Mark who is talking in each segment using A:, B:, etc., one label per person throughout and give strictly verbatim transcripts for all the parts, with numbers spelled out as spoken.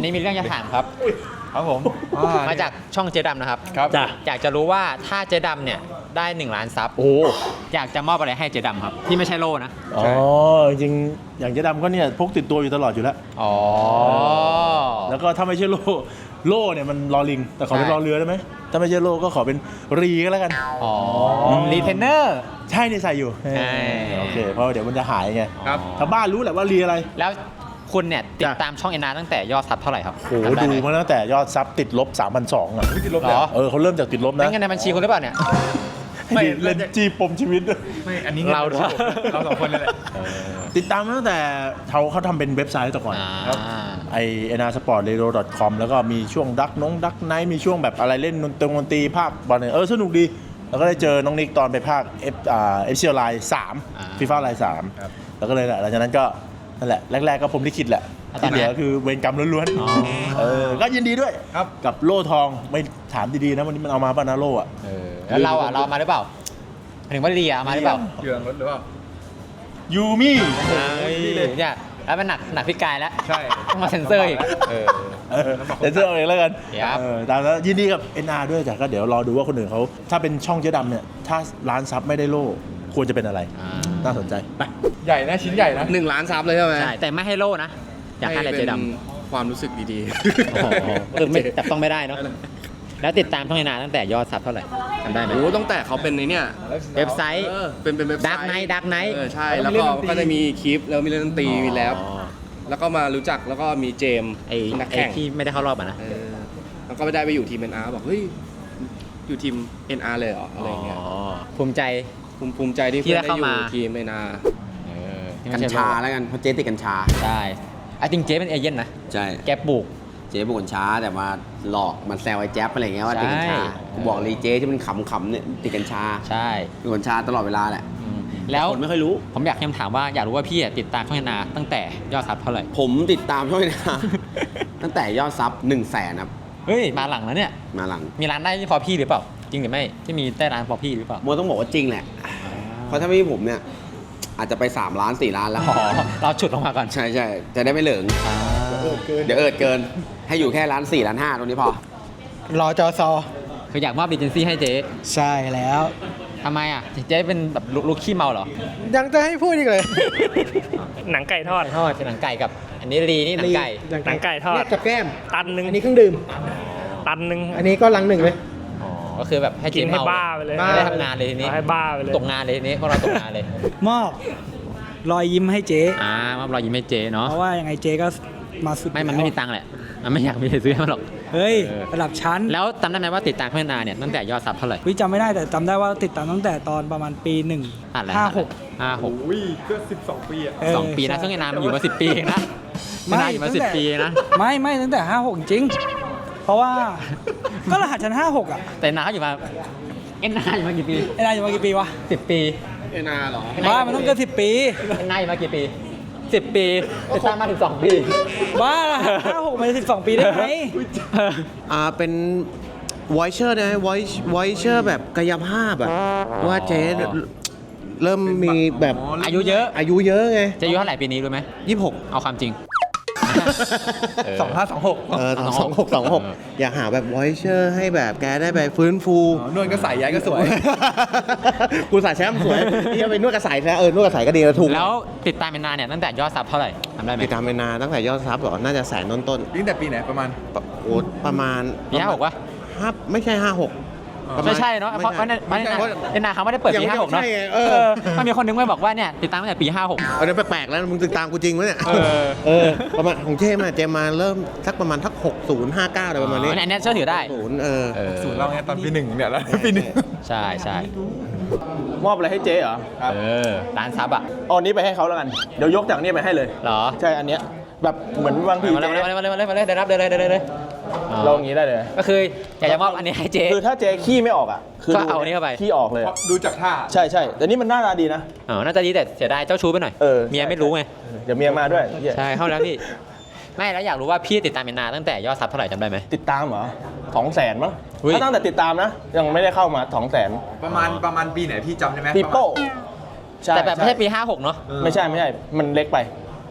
A: วันนี้มีเรื่องจะถามครับ
B: ครับผม
A: มาจากช่องเจดำนะครับ
B: ครับจ้ะ
A: อยากจะรู้ว่าถ้าเจดำเนี่ยได้หนึ่งล้านซับโอ้อยากจะมอบอะไรให้เจดำครับที่ไม่ใช่โล่นะ
C: อ๋อจริงๆอย่างเจ๊ดำก็เนี่ยพกติดตัวอยู่ตลอดอยู่แล้ว
A: อ๋อ
C: แล้วก็ถ้าไม่ใช่โล่โล่เนี่ยมันรอลิงแต่ขอเป็นรอเรือได้ไหมถ้าไม่ใช่โล่ก็ขอเป็นรีก็แล้วกัน
A: อ๋อรีเทนเนอร์
C: ใช่เนี่ยใส่อยู่โอเคเพราะเดี๋ยวมันจะหายไง
B: ครับ
C: ชาวบ้านรู้แหละว่ารีอะไร
A: แล้วคุณเนี่ยติดตามช่องเอ็นอาร์ตั้งแต่ยอดซับเท่าไหร่ครับ
C: โอ้โหดูมาตั้งแต่ยอดซับติดลบ สามพันสองร้อย อ่ะ
B: ติดลบเหรอ
C: เออเขาเริ่มจากติดลบนะ
A: เงินในบัญชีคุณหรือเปล่าเนี่ย
C: ไม่เล่นจีปมชีวิต
B: ไม่อันนี้
A: เรา
B: เราสองคนเลยแหละ
C: ติดตามมาตั้งแต่เขาเขาทำเป็นเว็บไซต์แต่ก่อนครับไอเอ็นอาร์สปอร์ตเรดิโอ ดอท คอม แล้วก็มีช่วงดักน้องดักไนท์มีช่วงแบบอะไรเล่นดนตรีดนตรีภาคบอลเนี่ยเออสนุกดีแล้วก็ได้เจอน้องนิกตอนไปภาคเอฟอ่าเอฟซีไลน์สามฟีฟ่าไลน์สามแล้วก็เลยแหละหลังจากนั้นก็นั่นแหละแรกๆก็ผมลิขิตแหละที่เหลือคือเวรกรรมล้วนๆเออก็ยินดีด้วยกับโล่ทองไม่ถามดีๆนะวันนี้มันเอามาป่ะนะโล่อะ
A: แล้วเราอ่ะเรามาหรือเปล่าถึงว่าเรียมาหรือเปล่า
B: เยื่อรถหรือเปล่า
C: ยูมี่
A: เนี่ยแล้วมันหนักหนักพิกายแล้ว
B: ใช่
A: ต้องมาเซ็นเซอร์อีก
C: เออเซ็นเซอร์เองแล้วกันแต่แล้วยินดีกับ เอ็น อาร์ ด้วยแต่ก็เดี๋ยวรอดูว่าคนอื่นเขาถ้าเป็นช่องเจ๊ดำเนี่ยถ้าร้านซับไม่ได้โล่ควรจะเป็นอะไรน่าสนใจไป
B: ใหญ่นะชิ้นใหญ่นะ
D: หนึ่งล้านซับเลยใช่ไหม
A: ใช่แต่ไม่ให้โล่นะอยากให้อะไรเจ๊ด
D: ำความรู้สึกดี
A: ๆคือไม่แต่ต้องไม่ได้เนาะแล้วติดตามช่องเอ็นอาร์ตั้งแต่ยอดซับเท่าไหร่ทำได้ไหม
D: โอ้ตั้งแต่เขาเป็นในเนี่ย
A: เว็บไซต์
D: เป็นเป็นเว็บไซต์
A: ดักไนท์ดักไนท์
D: เออใช่แล้วก็ก็จะมีคลิปแล้วมีเล่นดนตรีมีแรปแล้วก็มารู้จักแล้วก็มีเจม
A: ไอ้นักแข่งที่ไม่ได้เข้ารอบอ่ะนะ
D: แล้วก็ไม่ได้ไปอยู่ทีม เอ็น อาร์ บอกเฮ้ยอยู่ทีม เอ็น อาร์ เลยเหรออะไรเงี้ย
A: ภูมิใจ
D: ภูมิใจที่เพื่อนได้อยู่ทีม เอ็น อาร์ กัญชาแล้วกันเพราะเจ๊ติดกัญชา
A: ใช่ไอ้จริงเจ๊เป็นเอเย่นนะ
D: ใช่
A: แกปลูก
D: เจ๊ปลูกกัญชาแต่มาหลอกมันแซวไอ้แจ๊บอะไรเงี้ยว่าติดกัญชาผมบอกเลยเจ๊ที่มันขำๆเนี่ยติดกัญชา
A: ใช่
D: ติดกัญชาตลอดเวลาแหละ
A: แล้ว
D: คนไม่ค่อยรู้
A: ผมอยากถามว่าอยากรู้ว่าพี่ติดตามช่องนาตั้งแต่ยอดซับเท่าไหร่
D: ผมติดตามช่องนาตั้งแต่ยอดซับหนึ่งแสนครับ
A: เฮ้ยมาหลังแล้วเนี่ย
D: มาหลัง
A: มีร้านได้พอพี่หรือเปล่าจริงหรือไม่ที่มีได้ร้านพอพี่หรือเปล่า
D: โมต้องบอกว่าจริงแหละเพราะถ้าไม่มีผมเนี่ยอาจจะไปสามล้านสี่ล้านแล้ว
A: เราฉุดลงมาก่อน
D: ใช่ใช่จะได้ไม่เหลิงเดี๋ยวเอิดเกินให้อยู่แค่ล้านสี่ล้านห้าตรงนี้พอ
E: รอจอซอ
A: คืออยากมอบเอเจนซี่ให้เจ๊
E: ใช่แล้ว
A: ทำไมอ่ะเจ๊เป็นแบบลูกขี้เมาเหรอ
E: ยังจะให้พูดอีกเลย
F: หนังไก่ทอด
A: ทอดหนังไก่กับอันนี้รีนี่หนังไก่
F: หนังไก่ทอด
E: กับแก้ม
F: ตันหนึ่ง
E: อันนี้เครื่องดื่ม
F: ตันหนึ่ง
E: อันนี้ก็ลังหนึ่งเลย
A: ก็คือแบบให้
F: กินให้บ้าไปเลย
A: ไม่ได้ทำงานเลยทีนี้
F: ให้บ้าไปเลย
A: ตกงานเลยทีนี้พวกเราตกงานเลย
E: มอบรอยยิ้มให้เจ๊
A: อ่ามอบรอยยิ้มให้เจ๊เนาะ
E: เพราะว่ายังไงเจ๊ก็มาสุด
A: ไม่มันไม่มีตังค์แหละมันไม่อยากมีซื้อให้มันหรอก
E: เฮ้ยระดับชั้น
A: แล้วจำได้ไหมว่าติดตามเพื่อนนาเนี่ยตั้งแต่ยอดซับเท่าไหร่
E: วิจำไม่ได้แต่จำได้ว่าติดตามตั้งแต่ตอนประมาณปีหนึ่งห้าหก
A: ห้าหก
B: อุ้ยก็สิบสองปีอ่ะ
A: สองปีนะช่วงเอ็นอาร์มันอยู่มาสิบปีนะไม่อยู่มาสิบปีนะ
E: ไม่ไม่ตั้งแต่ห้าหกจริงเพราะว่าก็รหัสชั้นห้าหกอ่ะ
A: แต่นาอยู่มาเอ็นอาร์อยู่มากี่ปี
E: เอ็นอาร์อยู่มากี่ปีวะ
A: สิบปี
D: เอ็นอาร์หรอ
E: บ้ามันต้องเกินสิบปี
A: เอ็นอาร์อยู่มากี่ปีสิบปีติดตามมาถึงสองปี
E: บ้าห้าหกมันสิบสองปีได้ไหม
D: อ่าเป็นไวเชอร์นะไวไวเชอร์แบบกายภาพแบบว่าเจ๊เริ่มมีแบบ
A: อายุเยอะ
D: อายุเยอะไง
A: จะอายุเท่าไหร่ปีนี้รู้ไหม
D: ยี่สิบหก
A: เอาความจริง
B: สองห้าสองหก
D: เออสองหกสองหกอยากหาแบบไวเชอร์ให้แบบแกได้ไปฟื้นฟู
B: นวดกระสายย้ายก็สวย
D: กูสายแชมป์สวยที่ไปนวดกระสายแล้วเออนวดกระสายก็ดีแล้วถูก
A: แล้วติดตามเป็นนานเนี่ยตั้งแต่ยอดซับเท่าไหร่ทำได้ไหม
D: ติดตามเป็นนานตั้งแต่ยอดซับเหรอน่าจะแสนต้นต้น
B: ตั้งแต่ปีไหนประมาณ
D: โอ้ประมาณ
A: ปีห้าหกวะ
D: ห้าไม่ใช่ห้าหก
A: ไม่ใช่เนาะเพราะว่าเอ็นอาร์เขาไม่ได้เปิดปีห้าหกเนาะมันมีคนนึงไม่บอกว่าเนี่ยติดตามตั้งแต่ปีห้าหก
D: เออแปลกๆแล้วมึงติดตามกูจริงไหมเนี่ยเออประมาณของเจมส์เจมมาเริ่มสักประมาณทักหกศูนย์ห้าเก้าอะไรประมาณนี้
A: อันนี้เชื่อถือได้
D: ศูนย์เออ
B: ศูนย์เราไงตอนปีหนึ่งเนี่ยแล้วปีหนึ่ง
A: ใช่ใช่
C: มอบอะไรให้เจ๊เหรอ
A: เออร้านซับอ่ะ
C: เอาอันนี้ไปให้เขาแล้วกันเดี๋ยวยกจากนี้ไปให้เลย
A: เหรอ
C: ใช่อันเนี้ยแบบเหมือนบางที
A: มาเลยมาเลยมาเลยมาเลยมาเลยได้รับได้เลยได้เลย
C: เราอย่างนี้ได้เลย
A: ก็คืออยากจะมอบอันนี้ให้เจ๊
C: คือถ้าเจ๊ขี้ไม่ออกอ่ะ
A: คือเอาอันนี้เข้าไป
C: ขี้ออกเลย
B: ดูจากท่า
C: ใช่ใช่แต่นี่มันหน้าตาดีนะ
A: อ๋อน่าจะดีแต่เสียดายเจ้าชู้ไปหน่อย
C: เออ
A: เมียไม่รู้ไง
C: เดี๋ยวเมียมาด้วย
A: ใช่เข้าแล้วพี่ไม่แล้วอยากรู้ว่าพี่ติดตามเป็นนานตั้งแต่ยอดซับเท่าไหร่จำได้ไหม
C: ติดตามเหรอสองแสนมั้งถ้าตั้งแต่ติดตามนะยังไม่ได้เข้ามาสองแสน
B: ประมาณประมาณปีไหนพี่จำได้ไหม
C: ปีโป้
A: แต่แบบไม่ใช่ปีห้าหกเนาะ
C: ไม่ใช่ไม่ใช่มันเล็กไป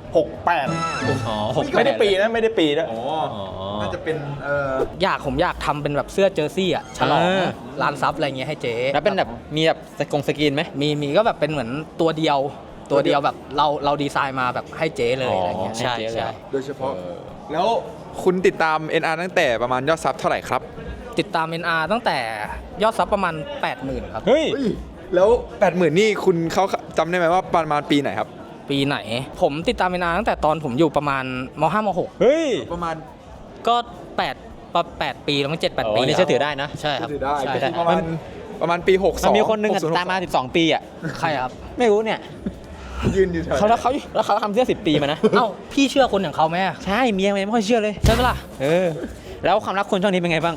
C: หกแปด
A: อ๋อหก
C: ไม่ได้ปีนะไม่ได้ปีนะ
B: อ๋อ น่าจะเป็น เอ่อ
E: อยากผมอยากทำเป็นแบบเสื้อเจอร์ซี่อ่ะฉลองร้านซับอะไรเงี้ยให้เจ๊
A: แล้วเป็นแบบมีแบบสกงสกรีนไหม
E: มีมีก็แบบเป็นเหมือนตัวเดียวตัวเดียวแบบเราเราดีไซน์มาแบบให้เจ๊เลยอะไรเงี้ย
A: ให้
E: ใช่
A: เจ๊เลย
E: ใช่
B: โดยเฉพาะ แล้วคุณติดตาม เอ็น อาร์ ตั้งแต่ประมาณยอดซับเท่าไหร่ครับ
E: ติดตาม เอ็น อาร์ ตั้งแต่ยอดซับประมาณ แปดหมื่น ครับ
A: เฮ้ย
B: แล้ว แปดหมื่น นี่คุณเขาจำได้ไหมว่าประมาณปีไหนครับ
E: ปีไหน ผมติดตาม เอ็น อาร์ ตั้งแต่ตอนผมอยู่ประมาณม ห้าม หก
A: เฮ้ย
B: ประมาณ
E: ก็แปดประแปดปีแล้วมั้งเจ็ดแปด
A: อ๋อ
E: ปี
A: นี่เชื่อถือได้นะ
E: ใช่ครับ
B: ถือได้
E: ใช่
B: ก็
E: ใช่
B: คือประมาณประมาณปีหกส
A: มั
B: อน ง
A: มีคนหนึงอะตามมาสิบสองปีอ่ะ
E: ใครครับ
A: ไม่รู้เนี่ย
B: ยืนอยู่แถว
A: เขาแล้วเขาแล้วเขาทำเสื้อสิบปีมานะ
E: เอ้าพี่เชื่อคนอย่างเขาไหมอะ
A: ใช่เมียมันไม่ค่อยเชื่อเลย
E: ใช่ปะล่ะ
A: เออ แล้วความรักคุณช่วงนี้เป็นไงบ้าง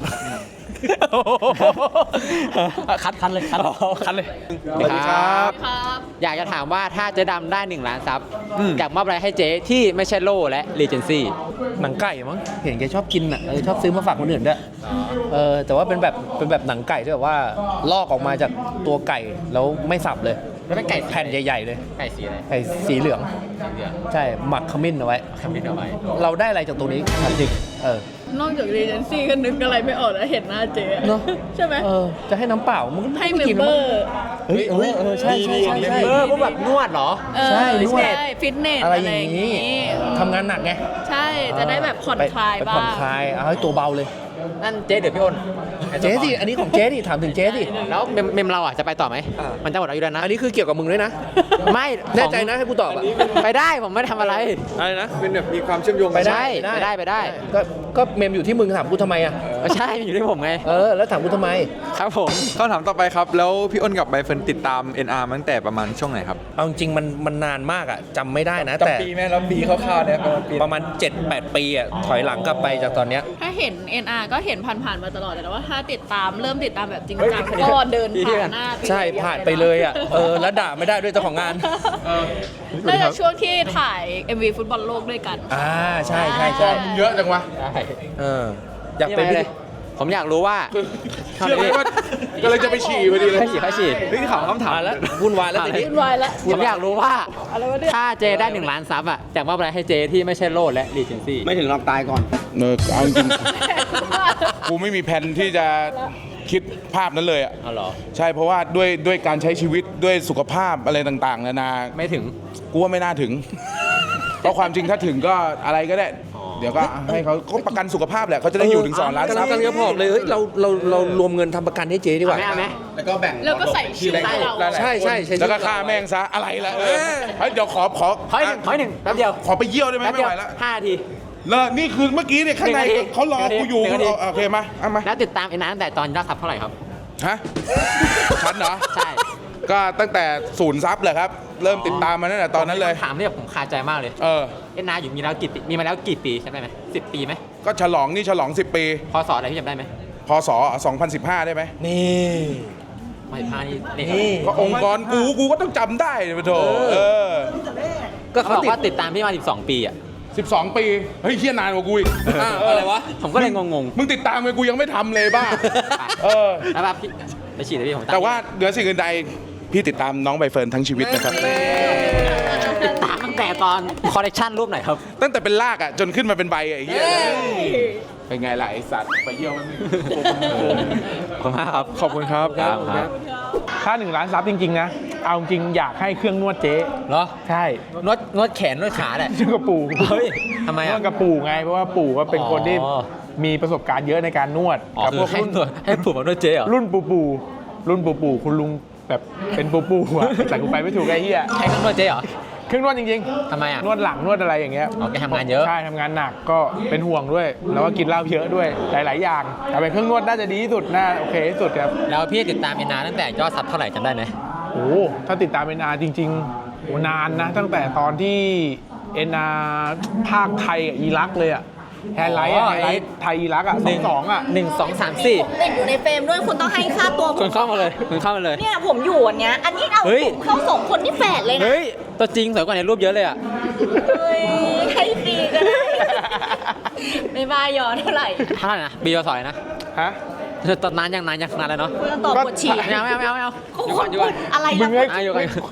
E: คัดคัดเลยคัดคัดเลย
A: สวัสดีครับ อยากจะถามว่าถ้าเจ๊ดำได้หนึ่งล้านซับอยากมอบอะไรให้เจ๊ที่ไม่ใช่โล่และรีเจนซี่
D: หนังไก่มั้งเห็นแกชอบกินอ่ะเออชอบซื้อมาฝากคนอื่นด้วยเออแต่ว่าเป็นแบบเป็นแบบหนังไก่ที่แบบว่าลอกออกมาจากตัวไก่แล้วไม่สับเลย
A: แล้วเป็นไก่สี
D: แผ่นใหญ่ๆเลย
A: ไก่สีอะไร
D: ไก่สีเหลือง
A: สีเหลือง
D: ใช่หมักขมิ้นเอาไว้
A: ทำนิดเอาไว้
D: เราได้อะไรจากตรงนี้ถามจริงเออน
G: อกจากรีเจนซี่ก็นึกอะไรไม่ออกแล้วเห็นหน้าเจ๊
D: เนาะ
G: ใช่ไหม
D: เออจะให้น้ำเปล่ามึงก็
G: ให้
D: ไม่
G: เม
D: กิ
G: ม
D: น
G: เบ
D: แล้ว
G: อ
D: มั้ง
G: ร์
D: เฮ้ยเออเออใช่ใช่ใช่ใช่
A: เออพวกแบบนวดเหรอ
G: เออ
D: ใช่นวด
G: ใช่ฟิตเนส
D: อะไร
G: อะไร
D: อ
G: อย่าง
D: นี้
G: นี้
D: ทำงานหนักไง
G: ใช่จะได้แบบผ่อน
D: ไป
G: คลาย
D: ไป
G: บ้า
D: ผ่อน
G: ง
D: คลายเอาให้ตัวเบาเลย
A: นั่นเจ๊เดี๋ยวพี่อ้น
D: เจ๊สิอันนี้ของเจ๊ดิถามถึงเจ๊ดิ
A: แล้วเมมเมมเราอ่ะจะไปต่อไหม มันจะหมดอายุแล้วนะ
D: อันนี้คือเกี่ยวกับมึงด้วยนะ
A: ไม่
D: แน่ใจนะให้กูตอบอ่ะ
A: ไปได้ผมไม่ได้ทำอะไร
D: อะไรนะ
B: เป็นแบบมีความเชื่อมโยง
D: ไป
B: กัน
D: ได้
A: ใช่ไปได้ไปได้
D: ก็ก็เมมอยู่ที่มึงถามกูทำไมอ่ะ
A: ใช่อยู่ที่ผมไง
D: เออแล้วถามกูทำไม
A: ครับผม
B: คำถามต่อไปครับ แล้วพี่อ้นกับใบเฟิร์นติดตาม เอ็น อาร์ มาตั้งแต่ประมาณช่วงไหนครับ
C: เอาจริงๆมันมันนานมากอ่ะจำไม่ได้นะ แต่
B: จำปีไหมแล้วปีคร่าวๆเนี่ยประมาณปี
C: ประมาณ เจ็ดแปด ปีอ่ะถอยหลังกลับไปจากตอนเนี้ย
G: ถ้าเห็น เอ็น อาร์ ก็เห็นผ่านๆมาตลอดแต่ว่าถ้าติดตามเริ่มติดตามแบบจริงจังก็เดินผ่านหน้า
C: ใช่ผ่านไปเลยอ่ะเออแล้วด่าไม่ได้ด้วยเจ้าของงาน
G: น่าจะช่วงที่ถ่าย เอ็ม วี ฟุตบอลโลกด้วยกัน
C: อ่าใช่ใช่ใช่
B: เยอะจังวะ
A: ได้
C: เอออยากเป็น
A: นี่ไงเลย ผมอยากรู้ว่า
B: เชื่อไหมว่าก็เลยจะไปฉี่พอดีเลย
A: ให้ฉีดให้ฉีด
B: นี่ถามคำถาม
C: อ่าแล้ววุ่นวายแล้วทีนี้
G: วุ่นวายแล้ว
A: ผมอยากรู้ว่า
G: อะไรวะเนี่ย
A: ถ้าเจได้หนึ่งล้านซับอ่ะอยากมอบอะไรให้เจที่ไม่ใช่โล่และรีเจนซี่
D: ไม่ถึงลองตายก่อน
H: เออเอาจริงๆ กูไม่มีแผนที่จะคิดภาพนั้นเลยอ่ะ
A: อ๋อเหรอ
H: ใช่เพราะว่าด้วยด้วยการใช้ชีวิตด้วยสุขภาพอะไรต่างๆนานา
A: ไม่ถึง
H: กูว่าไม่น่าถึง เพราะความจริงถ้าถึงก็อะไรก็ได้ เดี๋ยวก็ให้เขาเขาประกันสุขภาพแหละเขาจะได้อยู่ถึงสองล้าน
D: กำ
H: ซั
D: ลั
H: บ
D: งกำลังจะบอกเลยเฮ้ยเราเราเรารวมเงินทำประกันให้เจ๊ดีกว่า
A: เอาไหม
B: แล้วก็แบ่ง
G: แล้วก็ใส่ชื่อให้เรา
B: หลายๆ
D: ใช่ใช่ใช่
H: แล้วก็ฆ่าแม่งซะอะไรล่ะเออเฮ้ยเดี๋ยวขอขอ
A: ขออีกหนึ่งขออีกหนึ่งแป๊บเดียว
H: ขอไปเยี่ยวได้ไหม
A: แป๊บ
H: ไม่
A: เดียว
H: ไหวแล้ว
A: ห้านาที
H: แล้วนี่คือเมื่อกี้เนี่ยข้างใน
A: หนึ่งนาที
H: เขารอกูอยู่
A: หนึ่งนาที
H: เอาโอเคมาเอามา
A: แล้วติดตามเอ็นอาร์ตั้งแต่ตอนยอดซับเท่าไหร่ครับ
H: ฮะฉันเหรอ
A: ใช่
H: ก็ตั้งแต่ศูนย์ซับเลยครับ เริ่มติดตามมาตั้งแต่ตอนนั้นเลย
A: ถามที่แบบผมคาใจมากเลย
H: เออ
A: เอ็นอาร์อยู่มีแล้วกี่ปีมีมาแล้วกี่ปีใช่ไหมสิบปีไหม
H: ก็ฉลองนี่ฉลองสิบปี
A: พศอะไรที่จำได้ไหม
H: พศสองพันสิบห้าได้ไหม
C: นี่
A: ไม่พานี่นี่
C: นี่
H: ก็องค์กรกูกูก็ต้องจำได้เลยปะโถเออ
A: ก็เขาบอกว่าติดตามพี่มาสิบสองปีอ่ะ
H: สิบสองปี เฮ้ยเฮียนานกว่ากูอีก
A: อ้าวอะไรวะ ผมก็เลยงง
H: มึงติดตามไปกูยังไม่ทำเลยบ้า
A: ๆ
H: เออ
A: แล้วแบบพี่ไปฉีดเลยพี่ผม
H: แต่ว่าเหนือสิ่งอื่นใดพี่ติดตามน้องใบเฟิร์นทั้งชีวิตนะครับ
A: ติดตามตั้งแต่ตอนคอลเลคชันรูปไหนครับ
H: ตั้งแต่เป็นรากอ่ะจนขึ้นมาเป็นใบอ่ะไอ้เฮียเป็นไงล่ะไอสัตว์ไปเยี่ยวมัน
A: ขอบคุณมากครับ
B: ขอบคุณครับ
A: ครับครับ
I: ถ้าหนึ่งล้านซับจริงๆนะ เอาจริงอยากให้เครื่องนวดเจ๊
A: เหรอ
I: ใช่
A: นวดนวดแขนนวดขาแหละ
I: ชื่อกระปู่
A: เฮ้ยทำไม
I: น
A: อ่ะ
I: วดกระปู่ไง เพราะว่าปู่ก็เป็นคนที่
A: อ๋อ
I: มีประสบการณ์เยอะในการนวด
A: อ๋อ
I: กั
A: คื
I: พว
A: อก ให้
I: รุ่น
A: นวดให้ผูกมานวดเจ๊เหรอ
I: รุ่นปู่ปู่รุ่นปู่ปู่คุณลุงแบบเป็นปู่ปู่อะแต่กูไปไม่ถูกไอ้เหี้ย
A: ให้เครื่องนวดเจ๊เหรอ
I: เครื่องนวดจริง
A: ทำไมอ่ะ
I: ๆ นวดหลังนวดอะไรอย่างเงี้ย
A: อ๋อแกทำงานเยอะ
I: ใช่ทำงานหนักก็เป็นห่วงด้วย แล้วก็กินเหล้าเยอะด้วยหลาย ๆ อย่างแต่เป็นเครื่องนวดน่าจะดีที่สุดน่าโอเคที่สุดครับ
A: แล้วพี่ติดตามเอ็นอาร์ตั้งแต่ยอดซับเท่าไหร่จำได้ไหม
I: โอ้โหถ้าติดตาม เอ็น อาร์ จริงๆโอ้นานนะ ตั้งแต่ตอนที่ เอ็น อาร์ ภาคไทยกับอิรักเลยอะแฮนไลท์อะแฮนไลท์ไทยอิรักอะสองสองอะ
A: หนึ่งสองสามสี่
J: ติดอยู่ในเฟรมด้วยคุณต้องให้ค่าตัวผ
A: คุ
J: ม
A: ณเข้ามาเลยคุณเข้ามาเลย
J: เนี่ยผมอยู่อันเนี้ยอันนี้เอา
A: เฮ้ย
J: ผมเข้าสองคนที่แฝดเลยนะ
A: เฮ้ย ตัวจริงสวยกว่าในรูปเยอะเลยอ่ะ
J: เฮ้ยให้ฟรีก็ได้ ไม่บ้ายอเท่าไหร่
A: เท่าไหร่นะบีวสอยนะ
I: ฮะ
A: ตอนนานยังนานยังนานแล้วเนาะ
J: คุณต้องตอบปวดฉี่
A: ไม่เอาไม่เอาไม่เอาไม่เอา
J: คุณพูดอะไร
I: มึ
J: นะ
I: งให้
A: อายุกัน
I: ส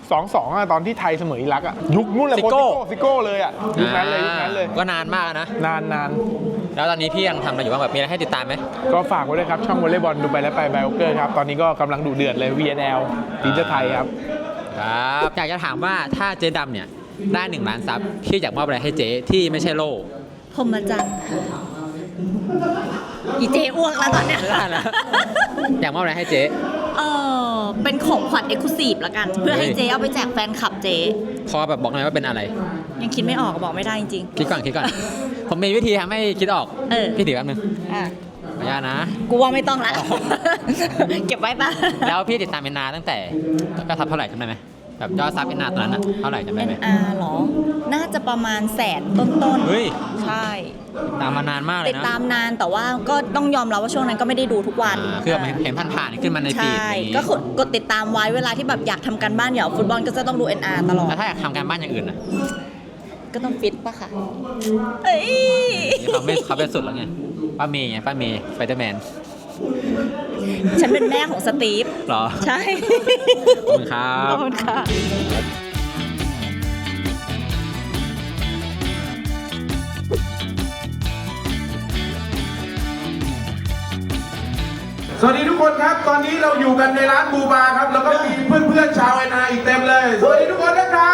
I: สองสองอะตอนที่ไทยเสมออิรักอะยุคนู้นแหละ
A: ซิโก้
I: โค้ชซิโก้เลยอะยุคนั้นเลยยุคนั้นเลย
A: ก็นานมากนะ
I: นานนาน
A: แล้วตอนนี้พี่ยังทำอะไรอยู่บ้างแบบมีอะไรให้ติดตามไหม
I: ก็ฝากไว้ด้วยครับ ช่องวอลเลย์บอลดูไปแล้วไปไบโอเกอร์ครับ ตอนนี้ก็กำลังดุเดือดเลย วี เอ็น แอล ทีมชาติไทยครับ
A: ครับอยากจะถามว่าถ้าเจ๊ดำเนี่ยได้หนึ่งล้านซับพี่อยากมอบอะไรให้เจ๊ที่ไม่ใช่โล่
J: พรหมจันทรย์ค่ะอีเจอ้วกแล้วตอนเนี้ย
A: ไม่ได้แล้ว อยากมอบอะไรให้เจ๊
J: เออเป็นของขวัญเอ็กซ์คลูซีฟละกัน เพื่อให้เจเอาไปแจกแฟนคลับเจ
A: พอแบบบอกหน่อยว่าเป็นอะไร
J: ยังคิดไม่ออกบอกไม่ได้จริง
A: คิดก่อนคิดก่อน ผมมีวิธีทำให้คิดออก
J: เออ
A: พี่ถือแป๊บนึง
J: ๆอ่ะ
A: ขออนุญาตนะ
J: กูว่าไม่ต้องละ เก็บไว้ปะ
A: แล้วพี่ติดตามเอ็นนาตั้งแต่ก็ทับเท่าไหร่จำได้ไหมแบบยอดซับเอ็นนาตอนนั้นอะเท่าไหร่จำได้ไหม
J: เอ็น อาร์ เหรอ น่าจะประมาณแสนต้น
A: เฮ้ย
J: ๆ ใช่
A: ตามมานานมากเลย
J: ติด
A: นะ
J: ตามนานแต่ว่าก็ต้องยอมรับว่าช่วงนั้นก็ไม่ได้ดูทุกวัน
A: อ่าคือแบบเห็นผ่านๆขึ้นมาในฟีด
J: ใช่
A: อะไรอย่างงี้
J: ก็กดกดติดตามไว้เวลาที่แบบอยากทำการบ้านอยากเอาฟุตบอลก็จะต้องดู เอ็น อาร์ ตลอด
A: แล้วถ้าอยากทำการบ้านอย่างอื่นอะ
J: ก็ต้องฟิตปะค่ะเอ้ย
A: นี่เขาไม่เขาเป็นสุดแล้วไงป้าเมย์ไงป้าเมย์สไปเดอร์แมน
J: ฉันเป็นแม่ของสตีฟ
A: เหรอ
J: ใช่
A: ขอบคุณครับ
J: ขอบคุณค่ะ
H: สวัสดีทุกคนครับ ตอนนี้เราอยู่กันในร้านบูบาครับ แล้วก็มีเพื่อนๆชาวไอนาอีกเต็มเลย สวัสดีทุกคนนะครับ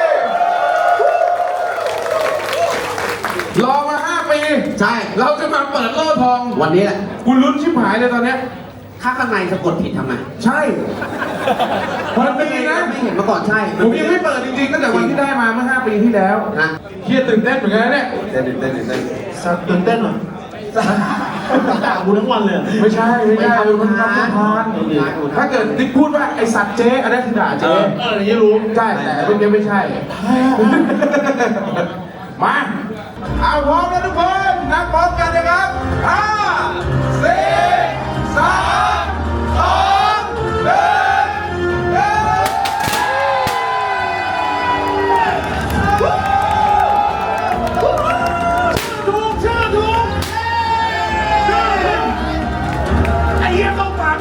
H: รอมาห้าปี ใช่ เราจะมาเปิดโล่ทอง
K: วันนี้แหละ
H: คุณลุ้นชิบหายเลยตอนเนี้ย
K: ถ้าข้างในสะกดผิดทำไง
H: ใช่วันปีนะ
K: ไม่เห็นมาก่อนใช่
H: ผมยังไม่เปิดจริงๆตั้งแต่วันที่ได้มาเมื่อห้าปีที่แล้ว
K: นะ
H: เครียดตื่นเต้นเหมือนกันนะเนี่ย
K: เต้นเต้นเต้นเต้น
C: ตื่นเต้นเหรอด่ากูทั้งวันเลย
H: ไม่ใช่ไม่ใช่
K: ไม่
H: มัน
K: ทำ
H: ทำ
K: ทา
H: ทาน นถ้าเกิดติ๊กพูดว่าไอสัตว์เจ๊อันนั้นคือด่าเจ๊
C: เอออย่างนี้รู้
H: ใช่แต่เมื่อกี้ไม่ใช่ มา เอาพร้อมแล้วทุกคนนับพร้อมกันนะครับห้าสี่สามสองหนึ่งถูกชื่อถูกชื่อไอ้เหี้ยต้องฟัง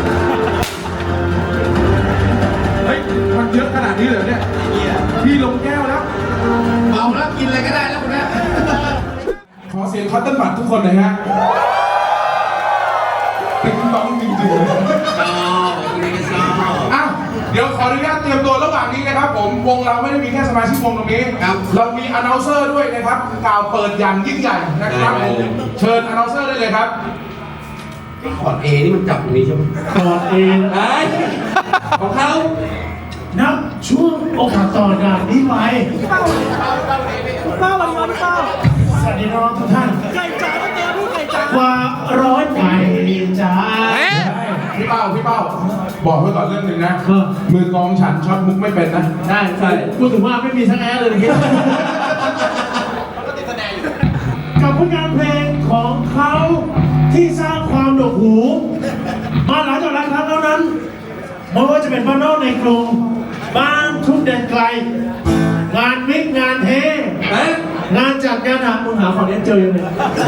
H: เฮ้ย มันเยอะขนาดนี้เลยเนี่ยพี่ลงแก้วแล้ว
K: เมาแล้วกินอะไรก็ได้แล้วคุณแม่
H: ขอเสียงคอตเติ้ลบัตทุกคนหน่อยฮะติ๊งต้องจริงๆอ้าวเดี๋ยวขออนุญาตเตรียมตัวระหว่างนี้นะครับผม วงเราไม่ได้มีแค่สมาชิกวงตรงนี้ เรามีอนาลเซอร์ด้วยนะครับ กล่าวเปิดอย่างยิ่งใหญ่นะครับผม เชิญอนาลเซอร์ได้เลยครับ
K: ขอดเอนี่มันจับตรงนี้ใช่ไหม
C: ตอนเอง
K: ของเขา
C: นับช่วงโอกาสต่อจากนี้ไปสวัสดีน้องทุกท่านไก่จ๋าต้องเจอผู้ไก่จ๋ากว่าร้อยไก่จ๋า
H: พี่เป้าพี่เป้า บอกไว้ก่อนเรื่องหนึ่งนะ มือกองฉันช็อตมุกไม่เป็นนะ
C: ได้ใช่พูดถึงว่าไม่มีทั้งแอร์เลยนะครับกับผลงานเพลงของเขาที่สร้างความหนวกหู มาหลายต่อหลายครั้งแล้วนั้นไม่ว่าจะเป็นบ้านนอกในกรุงบ้านทุกแดนไกล งานมิกงานเทงานจัดงานหามึงหาขอเนี้ยเจอยังไง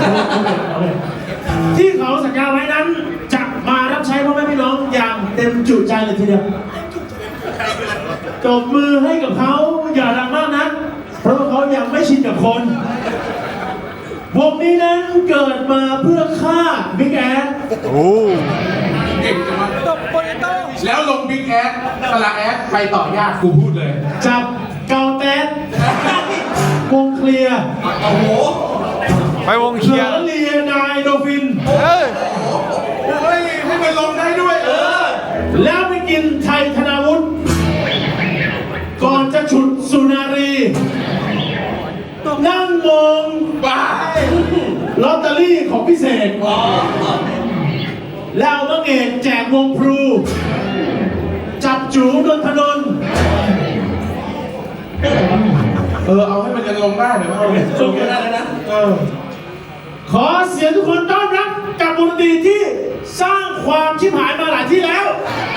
C: ที่เขาสัญญาไว้นั้นจะมารับใช้พ่อแม่พี่น้องอย่างเต็มจุใจเลยทีเดียวตบมือให้กับเขาอย่าดังมากนะเพราะว่าเขายังไม่ชินกับคนวงนี้นั้นเกิดมาเพื่อฆ่าบิ๊กแอด
H: เก่งจังวะแล้วลงบิ๊กแอดสละแอดไปต่อยากกูพูดเลย
C: จับเกาแตนวงเคลียร์
B: โอ้โห ไปวงเคลียร์
C: เหลือเลียนายโดฟิน
B: เฮ้ย
H: เฮ้ยให้มันลงได้ด้วยเออ
C: แล้วไปกินไทยธนาวุฒิก่อนจะฉุดสุนารีนั่งมองบ้าลอตเตอรี่ของพิเศษแล้วมังเอกแจกวงพลู จับจูนนทนนท์
H: เออ เอาให้มันยังลงได้เดี๋ยวมันเอาลงได้แล้วนะเออ
C: ขอเสียงทุกคนต้อนรับกับวงดนตรีที่สร้างความชิบหายมาหลายที่แล้ว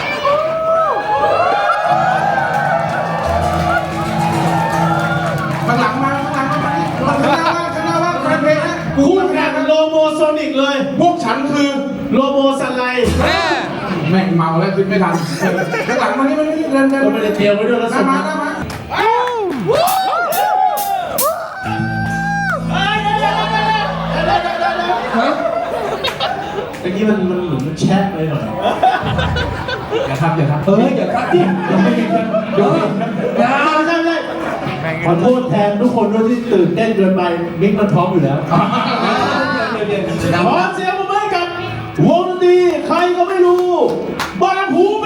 H: ข้างหลังมาข้างหลังมาข้างหน้าว่าข้างหน้าว่าแฟนเพลงนะ
C: คู่แข่งโลโมโซนิกเลย
H: พวกฉันคือ
C: โลโมสันไล
B: แม่
H: แม่งเมาแล้วคิดไม่ทันข้างหลังมานี่มานี่เดินเดิน
C: ก็ไม่ได้เตรียมไว้ด้วยแล้ว
H: หน้ามาหน้ามา
C: เมื่อกี้มันมันเหมือนมันแช่เลยหน่อย
H: อย่าทำอย่าทำเอออย่าทำดิ
C: เดี๋ยวอย่าไม่ใช่ไม่ใช่ขอโทษแทนทุกคนด้วยที่ตื่นเต้นเกินไปมิกมันพร้อมอยู่แล้วขอเสียงปรบมือให้กับวงดนตรีใครก็ไม่รู้บางหูแม่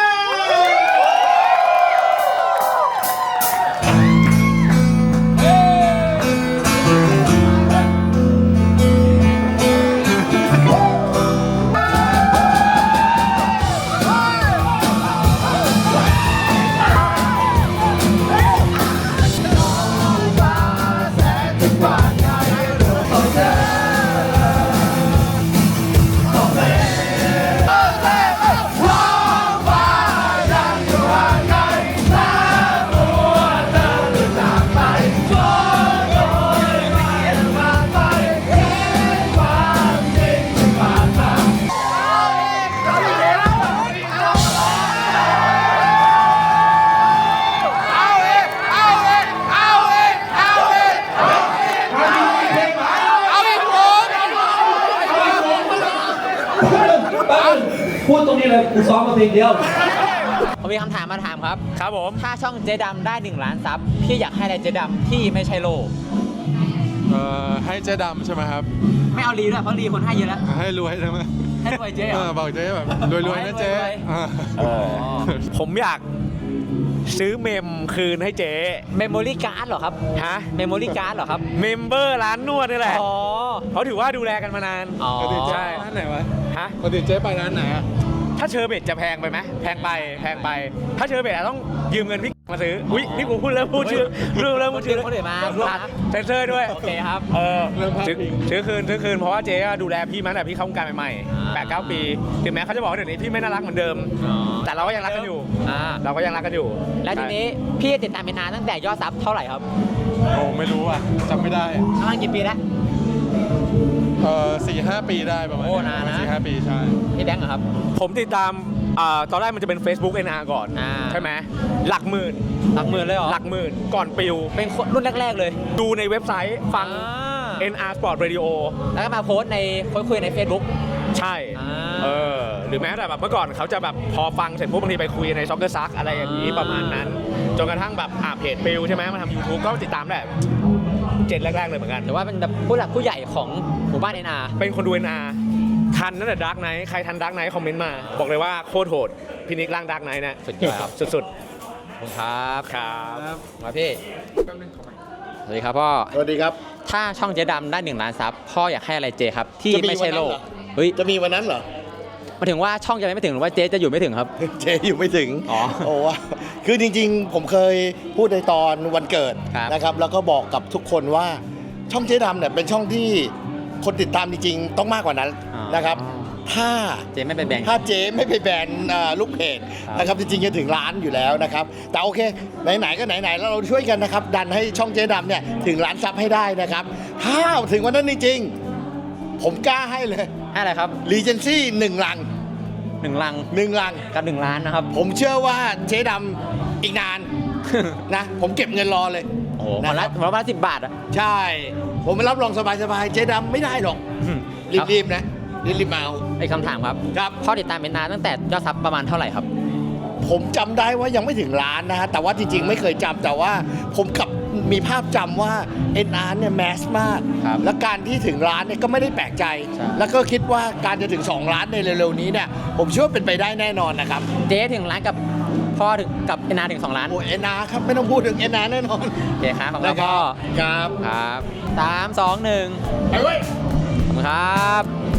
K: พูดตรงนี้เลยกูซ้อมมาเพลงเดียว
A: ผมมีคำถามมาถามครับ
D: ครับผม
A: ถ้าช่องเจ๊ดำได้หนึ่งล้านซับพี่อยากให้อะไรเจ๊ดำที่ไม่ใช่โล
L: เอ่อให้เจ๊ดำใช่ไหมครับ
A: ไม่เอารีด้วยเพราะรีคนให้เยอะแล้ว
L: ให้รวยใช่ไหม
A: ให้รวยเจ๊เหรอ
L: เออบอกเจ๊แบบรวยๆนะเจ๊
A: รวยๆ
L: อ่า
D: ผมอยากซื้อเมมคืนให้เจ๊
A: เมมโมรี่การ์ดเหรอครับ
D: ฮะ
A: เมมโมรี่การ์ดเหรอครับ
D: เมมเบอร์ร้านนวดนี่แหละ
A: อ๋อ
D: เขาถือว่าดูแลกันมานาน
A: อ๋อ
L: ปกติเจ๊
D: ใช่
L: ไปร้านไหนวะ
D: ฮะ
L: ปกติเจ๊ไปร้านไหนอะ
D: ถ้าเชอร์เบตจะแพงไปไหมแพงไปแพงไป ถ้าเชอร์เบตอะต้องยืมเงินพี่มาซื้ออุ้ยนี่กูพูดแล้วพูดชื่อเรื่องแล้วพูดชื่อ
A: คนอื่นมา
D: เซนเซอร์ด้วย
A: โอเคครับ
D: เออ
L: เรื่องภาพ
D: ซื้อ
L: พิง
D: ซื้อคืนซื้อคืนเพราะว่าเจ๊ก็ดูแลพี่มาตั้งแต่พี่เข้าวงการใหม่ๆแปดเก้าปีถึงแม้เขาจะบอกว่าเดี๋ยวนี้พี่ไม่น่ารักเหมือนเดิม
A: อ๋อ
D: แต่เราก็ยังรักกันอยู่
A: อ่า
D: เราก็ยังรักกันอยู่
A: แล้วทีนี้พี่ติดตามเป็นนานตั้งแต่ยอดซับเท่าไหร่ครับ
L: โอ้ไม่รู้อ่ะจำไม่ได้
A: ประมาณกี่ปีแล้ว
L: เออสี่ห้าปีได้ประมาณ
A: โอ้นานนะ
L: สี่ห้าปีใช่
A: พี่แบงค์เหรอครับ
D: ผมติดตามอ่าตอนแรกมันจะเป็น Facebook เอ็น อาร์ ก่อน
A: อ่า
D: ใช่ไหมหลักหมื่น
A: หลักหมื่นเลยเหรอ
D: หลักหมื่นก่อนปิว
A: เป็นคนรุ่นแรก ๆ เลย
D: ดูในเว็บไซต์ฟัง
A: อ่า
D: เอ็น อาร์ Sport Radio
A: แล้วก็มาโพสต์ในคุยคุยใน Facebook
D: ใช่
A: อ่า
D: เออหรือแม้แต่แบบเมื่อก่อนเขาจะแบบพอฟังเสร็จปุ๊บบางทีไปคุยในซ็อกเกอร์ซักอะไรอย่างนี้
A: อ่า
D: ประมาณนั้น จนกระทั่งแบบอ่าเพจปิวใช่ไหมมาทำ YouTube ก็ติดตามได้เจ็ดแรก ๆ เลยเหมือนกัน
A: แต่ว่าเป็นแบบผู้หลักผู้ใหญ่ของหมู่บ้านเอ็นอาร์
D: เป็นคนดู เอ็น อาร์ ทันนั่นแหละดาร์กไนท์ใครทันดาร์กไนท์คอมเมนต์มา บอกเลยว่าโคตรโหดพินิกร่างดาร์กไนท์นะ
A: สุดยอดครับ
D: สุด
A: ขอบคุณครับ
D: ๆครับ
A: มาพี่สวัสดีครับพ่อ
C: สวัสดีครับ
A: ถ้าช่องเจ๊ดำได้หนึ่งล้านซับพ่ออยากให้อะไรเจ๊ครับ ที่
C: จะมี
A: ไม่ใช่โล
C: วัน
A: ก
C: นั้นเหรอ
A: เฮ้ย
C: จะมีวันนั้นเหรอ
A: หมายถึงว่าช่องจะไม่ถึงหรือว่าเจ๊จะอยู่ไม่ถึงครับ
C: เจอยู่ไม่ถึง
A: อ๋อ
C: โอ้ว่าคือจริงๆ ผมเคยพูดในตอนวันเกิด
A: ครับ
C: นะครับ แล้วก็บอกกับทุกคนว่าช่องเจ๊ดำเนี่ยเป็นช่องที่คนติดตามจริงๆ ต้องมากกว่านั้นนะครับ ถ้า
A: เจ๊ไม่ไปแบ่ง
C: ถ้าเจ๊ไม่ไปแบนเอ่อลูกเพจ
A: ครับ
C: นะครับจริงๆจะถึงล้านอยู่แล้วนะครับ แต่โอเคไหนๆก็ไหนๆแล้วเราช่วยกันนะครับ ดันให้ช่องเจ๊ดำเนี่ยถึงล้านซับให้ได้นะครับ ถ้าถึงวันนั้นจริงๆผมกล้าให้เลย
A: ให้อะไรครับ
C: รีเจนซี่หนึ่งลัง
A: หนึ่งลัง
C: หนึ่งลัง
A: กับหนึ่งล้านนะครับ
C: ผมเชื่อว่าเจ๊ดำอีกนาน นะผมเก็บเงินรอเลย
A: โอ้โหวันละวันละสิบบาทอ่ะ
C: ใช่ ผมมารับรองสบายๆเจ๊ดำไม่ได้หรอก รีบๆนะรีบๆมาเอา
A: ไอ้คำถามครับ
C: ครับ
A: พ่อติดตามเป็นนานตั้งแต่ยอดซับประมาณเท่าไหร่ครับ
C: ผมจำได้ว่ายังไม่ถึงล้านนะฮะแต่ว่าจริงๆ ไม่เคยจำแต่ว่าผมกลับมีภาพจำว่า เอ็น อาร์ เนี่ยแมสมาก
A: ครับ
C: และการที่ถึงล้านเนี่ยก็ไม่ได้แปลกใจ
A: ใช่
C: แล้วก็คิดว่าการจะถึงสองล้านในเร็วๆนี้เนี่ยผมเชื่อว่าเป็นไปได้แน่นอนนะครับ
A: เจ๊ถึงล้านกับพ่อถึงกับเอ็นอาร์ถึงสองล้าน
C: โอ้เอ็นอาร์ครับไม่ต้องพูดถึง เอ็น อาร์ แน่นอน
A: โอเคครับของเรา
C: นะค
A: พ่
C: รั
A: อบ
C: ครับ
A: ครับสามสองหนึ่ง
C: ไปเว้ย
A: ขอบคุณครับ